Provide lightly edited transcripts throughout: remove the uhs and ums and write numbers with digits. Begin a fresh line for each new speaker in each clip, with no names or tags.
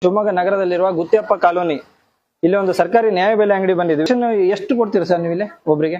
ಶಿವಮೊಗ್ಗ ನಗರದಲ್ಲಿರುವ ಗುತ್ತಿಯಪ್ಪ ಕಾಲೋನಿ ಇಲ್ಲಿ ಒಂದು ಸರ್ಕಾರಿ ನ್ಯಾಯಬೆಲೆ ಅಂಗಡಿ ಬಂದಿದೆ. ಎಷ್ಟು ಕೊಡ್ತೀರಾ ಸರ್ ನೀವು ಇಲ್ಲಿ ಒಬ್ರಿಗೆ?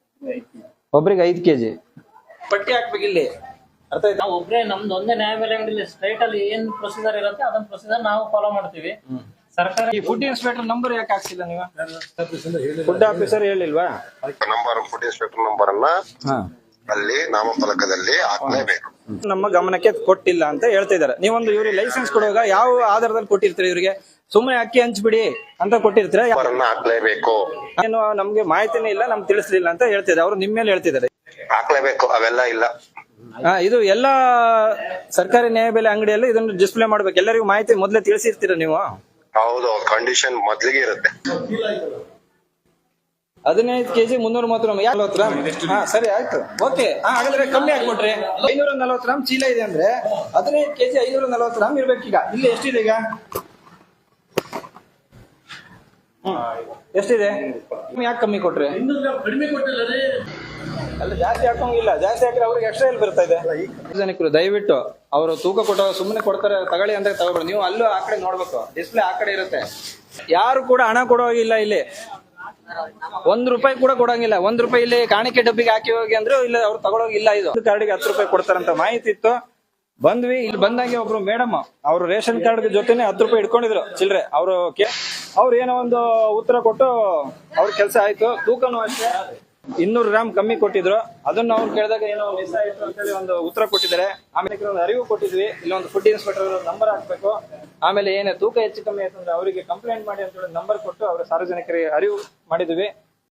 5 ಕೆಜಿ ಪಟ್ಟಿ ಹಾಕ್ಬೇಕು ಇಲ್ಲಿ. ಅರ್ಥ ಆಯ್ತಾ?
ನಾವು ಒಬ್ಬರೇ ನಮ್ದು ಒಂದೇ ನ್ಯಾಯಬೆಲೆ ಅಂಗಡಿ ಸ್ಟ್ರೈಟ್ ಅಲ್ಲಿ ಏನ್ ಪ್ರೊಸೀಜರ್ ಇರುತ್ತೆ ಅದನ್ನ ಪ್ರೊಸೀಜರ್ ನಾವು ಫಾಲೋ ಮಾಡ್ತೀವಿ. ಸರ್ಕಾರ
ಈ ಫುಡ್ ಇನ್ಸ್ಪೆಕ್ಟರ್ ನಂಬರ್ ಯಾಕೆ ಹಾಕ್ಸಿಲ್ಲ ನೀವು? ಫುಡ್ ಆಫೀಸರ್ ಹೇಳಿಲ್ವಾ?
ನಂಬರ್ ಫುಡ್ ಇನ್ಸ್ಪೆಕ್ಟರ್ ನಂಬರ್ ಅನ್ನ ಅಲ್ಲಿ ನಾಮಫಲಕದಲ್ಲಿ ಹಾಕ್ಲೇಬೇಕು.
ನಮ್ಮ ಗಮನಕ್ಕೆ ಕೊಟ್ಟಿಲ್ಲ ಅಂತ ಹೇಳ್ತಾ ಇದಾರೆ. ನೀವೊಂದು ಇವ್ರಿಗೆ ಲೈಸೆನ್ಸ್ ಕೊಡುವಾಗ ಯಾವ ಆಧಾರದಲ್ಲಿ ಕೊಟ್ಟಿರ್ತೀರಿ? ಇವ್ರಿಗೆ ಸುಮ್ಮನೆ ಅಕ್ಕಿ ಹಂಚ್ಬಿಡಿ ಅಂತ ಕೊಟ್ಟಿರ್ತೀರ?
ಹಾಕ್ಲೇಬೇಕು.
ಏನು ನಮ್ಗೆ ಮಾಹಿತಿನೇ ಇಲ್ಲ, ನಮ್ಗೆ ತಿಳಿಸ್ಲಿಲ್ಲ ಅಂತ ಹೇಳ್ತಿದ್ದಾರೆ. ಅವ್ರು ನಿಮ್ಮ ಮೇಲೆ ಹೇಳ್ತಿದ್ದಾರೆ
ಹಾಕ್ಲೇಬೇಕು, ಅವೆಲ್ಲ ಇಲ್ಲ.
ಇದು ಎಲ್ಲಾ ಸರ್ಕಾರಿ ನ್ಯಾಯಬೆಲೆ ಅಂಗಡಿಯಲ್ಲಿ ಇದನ್ನು ಡಿಸ್ಪ್ಲೇ ಮಾಡ್ಬೇಕು. ಎಲ್ಲರಿಗೂ ಮಾಹಿತಿ ಮೊದ್ಲೇ ತಿಳಿಸಿರ್ತೀರ ನೀವು?
ಹೌದು, ಕಂಡೀಷನ್ ಮೊದ್ಲಿಗೆ ಇರುತ್ತೆ.
15 ಕೆಜಿ 330 ಗ್ರಾಮ್. ಸರಿ ಆಯ್ತು, ಓಕೆ. ಹಾಗಾದ್ರೆ ಕಮ್ಮಿ ಹಾಕ್ಬಿಟ್ರಿ. 540 ಗ್ರಾಮ್ ಚೀಲ ಇದೆ ಅಂದ್ರೆ 15 ಕೆಜಿ 540 ಗ್ರಾಮ್ ಇರ್ಬೇಕೀಗ. ಇಲ್ಲಿ ಎಷ್ಟಿದೆ ಈಗ? ಎಷ್ಟಿದೆ? ಯಾಕೆ ಕಮ್ಮಿ ಕೊಟ್ರಿ? ಅಲ್ಲ, ಜಾಸ್ತಿ ಹಾಕೋಂಗಿಲ್ಲ. ಜಾಸ್ತಿ ಹಾಕಿದ್ರೆ ಅವ್ರಿಗೆ ಎಕ್ಸ್ಟ್ರಾ ಎಲ್ಲಿ ಬರ್ತಾ ಇದೆ? ಸಾರ್ವಜನಿಕರು ದಯವಿಟ್ಟು ಅವರು ತೂಕ ಕೊಟ್ಟ ಸುಮ್ಮನೆ ಕೊಡ್ತಾರೆ ತಗೊಳ್ಳಿ ಅಂತ ತಗೋಬೇಡಿ. ನೀವು ಅಲ್ಲೂ ಆ ಕಡೆ ನೋಡ್ಬೇಕು, ಡಿಸ್ಪ್ಲೇ ಆ ಕಡೆ ಇರುತ್ತೆ. ಯಾರು ಕೂಡ ಹಣ ಕೊಡೋಗಿಲ್ಲ ಇಲ್ಲಿ. 1 ರೂಪಾಯಿ ಕೂಡ ಕೊಡಂಗಿಲ್ಲ. 1 ರೂಪಾಯಿ ಇಲ್ಲಿ ಕಾಣಿಕೆ ಡಬ್ಬಿಗೆ ಹಾಕಿ ಹೋಗಿ ಅಂದ್ರೆ ಇಲ್ಲಿ ಅವ್ರು ತಗೊಳೋಗಿಲ್ಲ. ಇದು ಕಾರ್ಡಿಗೆ 10 ರೂಪಾಯಿ ಕೊಡ್ತಾರಂತ ಮಾಹಿತಿ ಇತ್ತು. ಬಂದ್ವಿ, ಇಲ್ಲಿ ಬಂದಂಗೆ ಒಬ್ರು ಮೇಡಮ್ ಅವ್ರು ರೇಷನ್ ಕಾರ್ಡ್ ಜೊತೆನೆ 10 ರೂಪಾಯಿ ಇಟ್ಕೊಂಡಿದ್ರು ಚಿಲ್ರೆ. ಅವ್ರು ಏನೋ ಒಂದು ಉತ್ತರ ಕೊಟ್ಟು ಅವ್ರ ಕೆಲಸ ಆಯ್ತು. ತೂಕನೂ ಅಷ್ಟೇ 200 ಗ್ರಾಮ್ ಕಮ್ಮಿ ಕೊಟ್ಟಿದ್ರು. ಅದನ್ನ ಅವ್ರು ಕೇಳಿದಾಗ ಏನೋ ಮಿಸ್ ಆಯ್ತು ಅಂತೇಳಿ ಒಂದು ಉತ್ತರ ಕೊಟ್ಟಿದ್ದಾರೆ. ಆಮೇಲೆ ಒಂದು ಅರಿವು ಕೊಟ್ಟಿದ್ವಿ, ಇಲ್ಲೊಂದು ಫುಡ್ ಇನ್ಸ್ಪೆಕ್ಟರ್ ನಂಬರ್ ಹಾಕ್ಬೇಕು. ಆಮೇಲೆ ಏನೇ ತೂಕ ಹೆಚ್ಚು ಕಮ್ಮಿ ಆಯ್ತು ಅಂದ್ರೆ ಅವರಿಗೆ ಕಂಪ್ಲೇಂಟ್ ಮಾಡಿ ಅಂತ ಹೇಳಿ ನಂಬರ್ ಕೊಟ್ಟು ಅವ್ರ ಸಾರ್ವಜನಿಕರಿಗೆ ಅರಿವು ಮಾಡಿದ್ವಿ.